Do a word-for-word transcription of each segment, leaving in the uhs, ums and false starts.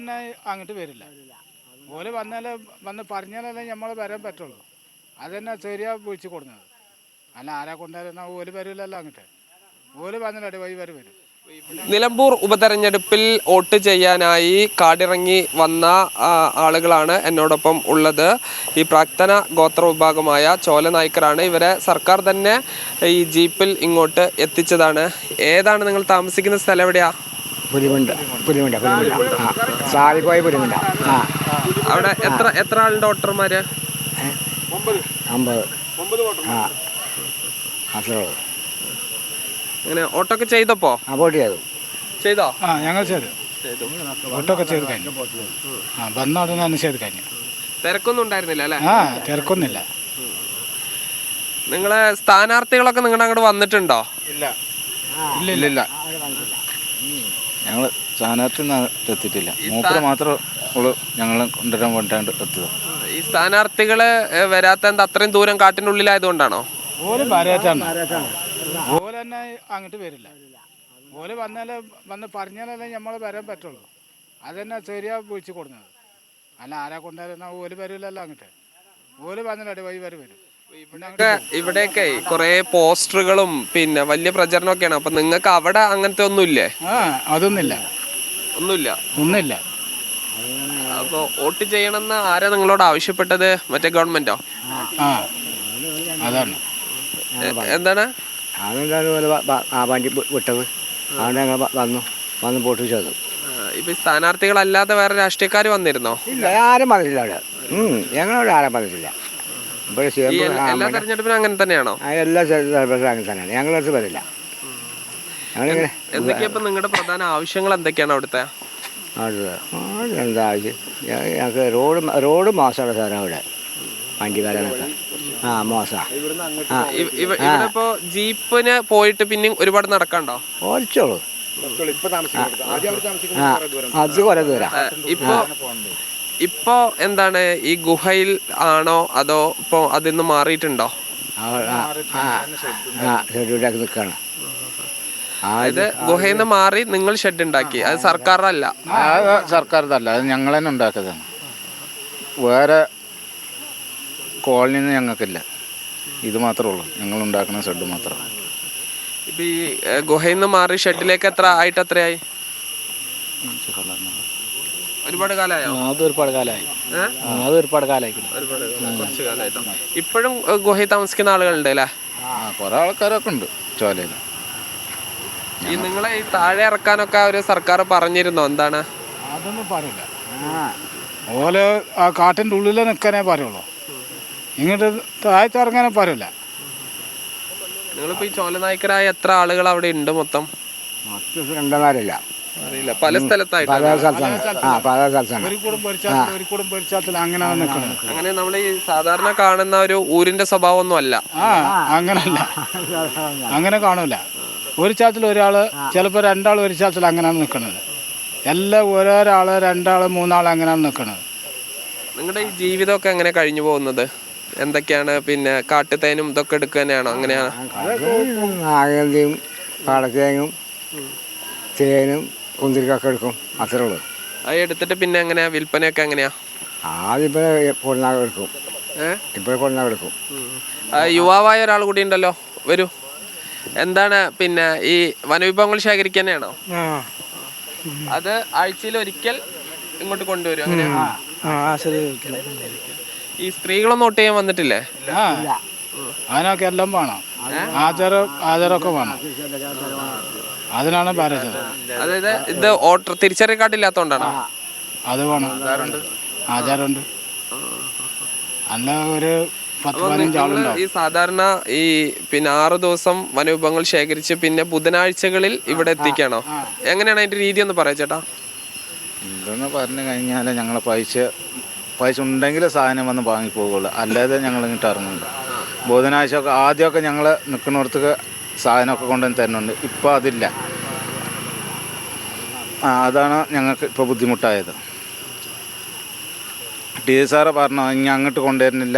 തന്നെ അങ്ങോട്ട് വരില്ല. ഓല് വന്നാലേ വന്ന് പറഞ്ഞാലല്ലേ നമ്മൾ വരാൻ പറ്റുള്ളൂ. അതന്നെ ശരിയാ വിളിച്ച് കൊടുക്കുന്നത്. അല്ല ആരെ കൊണ്ടുവരുന്ന ഓല് വരില്ലല്ലോ അങ്ങോട്ട്. ഓല് വന്നിട്ട് വഴി വരെ വരും. നിലമ്പൂർ ഉപതെരഞ്ഞെടുപ്പിൽ വോട്ട് ചെയ്യാനായി കാടിറങ്ങി വന്ന ആളുകളാണ് എന്നോടൊപ്പം ഉള്ളത്. ഈ പ്രാക്തന ഗോത്ര വിഭാഗമായ ചോല നായ്ക്കരാണ്. ഇവരെ സർക്കാർ തന്നെ ഈ ജീപ്പിൽ ഇങ്ങോട്ട് എത്തിച്ചതാണ്. ഏതാണ് നിങ്ങൾ താമസിക്കുന്ന സ്ഥലം? എവിടെയാ? പുലിമുണ്ട പുലിമുണ്ട പുലിമുണ്ട ആ സാലിക്കോയ പുലിമുണ്ട. ആ അവിടെ എത്ര എത്ര ആളുണ്ട് വോട്ടർമാര്? അമ്പത്. ആ അത്രേ ഉള്ളൂ. ഇങ്ങനെ ഓട്ടൊക്കെ ചെയ്തപ്പോ വോട്ട് ചെയ്തു ചെയ്തോ? ആ ഞങ്ങൾ ചെയ്തു വോട്ടൊക്കെ ചെയ്ത് കഴിഞ്ഞു. ആ വന്ന ഉടനെ തന്നെ ചെയ്ത് കഴിഞ്ഞു. തിരക്കൊന്നും ഉണ്ടായിരുന്നില്ല അല്ലേ? ആ തിരക്കൊന്നുമില്ല. നിങ്ങളെ സ്ഥാനാർത്ഥികളൊക്കെ നിങ്ങളുടെ അങ്ങോട്ട് വന്നിട്ടുണ്ടോ? ഇല്ല ഇല്ല ഇല്ല ഞങ്ങൾ സ്ഥാനാർത്ഥി എത്തിയിട്ടില്ല. മൂപ്പര് മാത്രമേ ഉള്ളൂ ഞങ്ങൾ കൊണ്ടുവരാൻ വേണ്ടാണ്ട് എത്തുക. ഈ സ്ഥാനാർത്ഥികള് വരാത്ത എന്താ? അത്രയും ദൂരം കാട്ടിനുള്ളിലായതുകൊണ്ടാണോ? ഓല് വരാറ്റാണ്. ഓല് തന്നെ അങ്ങോട്ട് വരില്ല. ഓല് വന്നാലേ വന്ന് പറഞ്ഞാലല്ലേ നമ്മൾ വരാൻ പറ്റുള്ളൂ. അതന്നെ ശരിയാ വിളിച്ച് കൊടുക്കുന്നത്. അല്ല ആരെ കൊണ്ടുവരുന്ന ഓല് വരില്ലല്ലോ അങ്ങോട്ട്. ഓല് വന്നിട്ട് വഴി വരെ വരും. ഇവിടെയൊക്കെ കുറെ പോസ്റ്ററുകളും പിന്നെ വലിയ പ്രചരണമൊക്കെയാണ്. അപ്പൊ നിങ്ങൾക്ക് അവിടെ അങ്ങനത്തെ ഒന്നുമില്ലേ? ആ അതൊന്നുമില്ല. ഒന്നുമില്ല ഒന്നുമില്ല. അപ്പൊ വോട്ട് ചെയ്യണമെന്ന് ആരാ നിങ്ങളോട് ആവശ്യപ്പെട്ടത്? മറ്റേ ഗവൺമെന്റോ? ആ അതാണ്. എന്താണ് വണ്ടി വിട്ടത്? അവിടെ ഞങ്ങൾ വന്നു വന്ന് വോട്ട് ചെയ്തു. ഇപ്പൊ സ്ഥാനാർത്ഥികളല്ലാതെ വേറെ രാഷ്ട്രീയക്കാർ വന്നിരുന്നോ? ഇല്ല, ആരും വന്നിട്ടില്ല അവിടെ. ഞങ്ങളവിടെ ആരും വന്നിട്ടില്ല. എല്ലാ തെരഞ്ഞെടുപ്പിനും അങ്ങനെ തന്നെയാണോ? എല്ലാ തെരഞ്ഞെടുപ്പിനും അങ്ങനെ തന്നെയാണ്. ഞങ്ങളടുത്ത് വരില്ല. ഞങ്ങളിങ്ങനെ എന്തൊക്കെയാ ഇപ്പൊ നിങ്ങളുടെ പ്രധാന ആവശ്യങ്ങൾ എന്തൊക്കെയാണ് അവിടുത്തെ? അവിടെ എന്താ ആവശ്യം? ഞങ്ങൾക്ക് റോഡ് റോഡ് മോശമാണ് സാറേ അവിടെ. വണ്ടി വരാനൊക്കെ ആ മോശമാണ്. ഇവിടെ ഇപ്പോ ജീപ്പിന് പോയിട്ട് പിന്നെ ഒരുപാട് നടക്കണ്ടോ? ഓടിച്ചോളൂ. അത് കുറെ ദൂരം. ഇപ്പൊ ഇപ്പോ എന്താണ് ഈ ഗുഹയിൽ ആണോ അതോ ഇപ്പൊ അതിന്ന് മാറിയിട്ടുണ്ടോ? നിൽക്കാണ്. അതായത് ഗുഹയിൽ നിന്ന് മാറി നിങ്ങൾ ഷെഡ് ഉണ്ടാക്കി. അത് സർക്കാരല്ല. സർക്കാരിതല്ല, അത് ഞങ്ങൾ തന്നെ ഉണ്ടാക്കിയതാണ്. വേറെ കോളനിയിൽ നിന്ന് ഞങ്ങൾക്കില്ല. ഇത് മാത്രമേ ഉള്ളൂ, ഞങ്ങൾ ഉണ്ടാക്കുന്ന ഷെഡ് മാത്രം. ഇപ്പൊ ഈ ഗുഹയിൽ നിന്ന് മാറി ഷെഡിലേക്ക് എത്ര ആയിട്ട് എത്രയായി? ഒരുപാട് കാലമായോ? അത് ഒരുപാട് കാലമായി. അത് ഒരുപാട് കാലമായി. കുറച്ച് കാലമായിട്ടോ. ഇപ്പോഴും ഗുഹയിൽ താമസിക്കുന്ന ആളുകളുണ്ട് അല്ലേ? കുറെ ആൾക്കാരൊക്കെ ഉണ്ട് ചോലയിൽ. ഈ നിങ്ങളെ ഈ താഴെ ഇറക്കാനൊക്കെ ഒരു സർക്കാർ പറഞ്ഞിരുന്നോ? എന്താണ്? അതൊന്നും പറയില്ല. ഓല് ആ കാട്ടിൻ്റെ ഉള്ളിൽ നിൽക്കാനേ പറയുള്ളൂ. ഇങ്ങോട്ട് താഴത്ത് ഇറങ്ങാനേ പറയില്ല. നിങ്ങളിപ്പോ ഈ ചോലനായ്ക്കരായ എത്ര ആളുകൾ അവിടെ ഉണ്ട് മൊത്തം? രണ്ടനാരില്ല, അറിയില്ല. പല സ്ഥലത്തായിട്ട് അങ്ങനെ നമ്മൾ ഈ സാധാരണ കാണുന്ന ഒരു ഊരിന്റെ സ്വഭാവം ഒന്നും അല്ല. ആ അങ്ങനല്ല, അങ്ങനെ കാണൂല. ഒരു ചാത്തിൽ ഒരാള്, ചിലപ്പോൾ രണ്ടാൾ ഒരു ചാത്തിൽ അങ്ങനെയാണ് നിൽക്കുന്നത്. എല്ലാം ഓരോരാള് രണ്ടാള് മൂന്നാള് അങ്ങനെയാണ് നിൽക്കുന്നത്. നിങ്ങളുടെ ഈ ജീവിതമൊക്കെ എങ്ങനെ കഴിഞ്ഞു പോകുന്നത്? എന്തൊക്കെയാണ് പിന്നെ കാട്ടുതേനും ഇതൊക്കെ എടുക്കുക തന്നെയാണോ? അങ്ങനെയാണ്? നാഗന്തിയും പാടത്തേങ്ങും തേനും കുന്തിരിക്കൊക്കെ എടുക്കും, അത്രേ ഉള്ളൂ. അത് എടുത്തിട്ട് പിന്നെ എങ്ങനെയാ വിൽപ്പനയൊക്കെ എങ്ങനെയാ? ആദ്യം കൊണ്ടാകെ എടുക്കും. ഇപ്പോൾ കൊണ്ടാകെ എടുക്കും. യുവാവായ ഒരാൾ കൂടി ഉണ്ടല്ലോ, വരൂ. എന്താണ് പിന്നെ ഈ വനവിഭവങ്ങൾ ശേഖരിക്കുക തന്നെയാണോ? അത് ആഴ്ചയിൽ ഒരിക്കൽ ഇങ്ങോട്ട് കൊണ്ടുവരും അങ്ങനെയാ? ഈ സ്ത്രീകളൊന്നും വോട്ട് ചെയ്യാൻ വന്നിട്ടില്ലേ? അതിനൊക്കെ എല്ലാം വേണം. ആചാരം ആചാരമൊക്കെ വേണം. അതിനാണ് പറയുന്നത്. അതായത് ഇത് വോട്ടർ തിരിച്ചറിയൽ കാർഡില്ലാത്തോണ്ടാണോ? അത് വേണം, ആചാരമുണ്ട്. അല്ല ഒരു പത്ത് പതിനഞ്ച് ആളുണ്ടാവും. ഈ സാധാരണ ഈ പിന്നെ ആറ് ദിവസം വനവിഭവങ്ങൾ ശേഖരിച്ച് പിന്നെ ബുധനാഴ്ചകളിൽ ഇവിടെ എത്തിക്കാണോ? എങ്ങനെയാണ് അതിന്റെ രീതി ഒന്ന് പറയാ ചേട്ടാ? ഇതെന്ന് പറഞ്ഞു കഴിഞ്ഞാൽ ഞങ്ങൾ പൈസ പൈസ ഉണ്ടെങ്കിൽ സാധനം വന്ന് വാങ്ങിപ്പോകുള്ളൂ, അല്ലാതെ ഞങ്ങൾ ഇങ്ങോട്ട് ഇറങ്ങുന്നുണ്ട്. ബുധനാഴ്ച ഒക്കെ ആദ്യമൊക്കെ ഞങ്ങൾ നിൽക്കുന്നിടത്തേക്ക് സാധനമൊക്കെ കൊണ്ടുവന്ന് തരുന്നുണ്ട്. ഇപ്പോൾ അതില്ല. ആ അതാണ് ഞങ്ങൾക്ക് ഇപ്പോൾ ബുദ്ധിമുട്ടായത്. ടി സാറ് പറഞ്ഞു ഇനി അങ്ങോട്ട് കൊണ്ടുവരുന്നില്ല,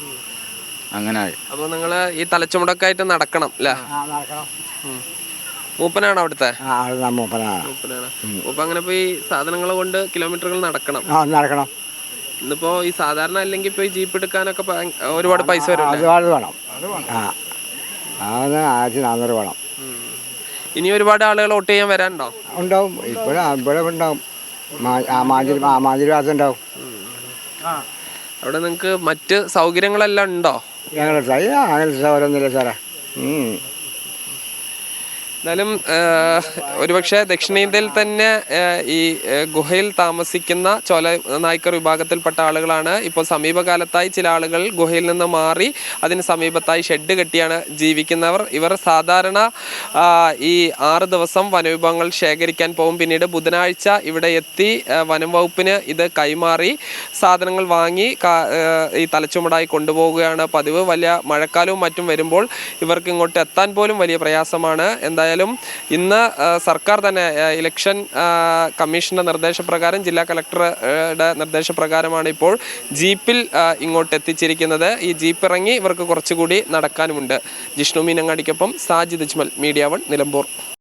അങ്ങനെ ആയി. അപ്പോൾ നിങ്ങൾ ഈ തലച്ചുമടക്കായിട്ട് നടക്കണം അല്ലേ? മൂപ്പനാണ് അവിടുത്തെ ആ അത് മൂപ്പനാണ്. മൂപ്പനാണ്. മൂപ്പ അങ്ങനെ പോയി സാധനങ്ങൾ കൊണ്ട് കിലോമീറ്ററുകൾ നടക്കണം. ആ നടക്കണം. ഇന്നിപ്പോ ഈ സാധാരണ അല്ലെങ്കിൽ പോയി ജീപ്പ് എടുക്കാനൊക്കെ ഭയ- ഒരുപാട് പൈസ വരും. ഒരുപാട് വേണം. ആ അത് ആയിരത്തി നാന്നൂറ് വേണം. ഇനി ഒരുപാട് ആളുകൾ വോട്ട് ചെയ്യാൻ വരാനുണ്ടോ? ഉണ്ടാവും. ഇപ്പോഴും ഇവിടെ ഉണ്ടാവും. ആ മാതിരി ആ മാതിരി ഭാഗത്ത് ഉണ്ടാവും. അവിടെ നിങ്ങൾക്ക് മറ്റ് സൗകര്യങ്ങളെല്ലാം ഉണ്ടോ? ഞങ്ങളുടെ അങ്ങനെ സൗകര്യമൊന്നുമില്ല സാറേ. എന്നാലും ഒരുപക്ഷെ ദക്ഷിണേന്ത്യയിൽ തന്നെ ഈ ഗുഹയിൽ താമസിക്കുന്ന ചോല നായ്ക്കർ വിഭാഗത്തിൽപ്പെട്ട ആളുകളാണ്. ഇപ്പോൾ സമീപകാലത്തായി ചില ആളുകൾ ഗുഹയിൽ നിന്ന് മാറി അതിന് സമീപത്തായി ഷെഡ് കെട്ടിയാണ് ജീവിക്കുന്നവർ. ഇവർ സാധാരണ ഈ ആറ് ദിവസം വനവിഭവങ്ങൾ ശേഖരിക്കാൻ പോകും. പിന്നീട് ബുധനാഴ്ച ഇവിടെ എത്തി വനം വകുപ്പിന് ഇത് കൈമാറി സാധനങ്ങൾ വാങ്ങി ഈ തലച്ചുമടായി കൊണ്ടുപോവുകയാണ് പതിവ്. വലിയ മഴക്കാലവും മറ്റും വരുമ്പോൾ ഇവർക്ക് ഇങ്ങോട്ട് എത്താൻ പോലും വലിയ പ്രയാസമാണ്. എന്തായാലും ഇന്ന് സർക്കാർ തന്നെ ഇലക്ഷൻ കമ്മീഷന്റെ നിർദ്ദേശപ്രകാരം ജില്ലാ കളക്ടറുടെ നിർദ്ദേശപ്രകാരമാണ് ഇപ്പോൾ ജീപ്പിൽ ഇങ്ങോട്ട് എത്തിച്ചിരിക്കുന്നത്. ഈ ജീപ്പ് ഇറങ്ങി ഇവർക്ക് കുറച്ചുകൂടി നടക്കാനുമുണ്ട്. ജിഷ്ണു മീനങ്ങാടിക്കൊപ്പം സാജിദ് അജ്മൽ, മീഡിയ വൺ, നിലമ്പൂർ.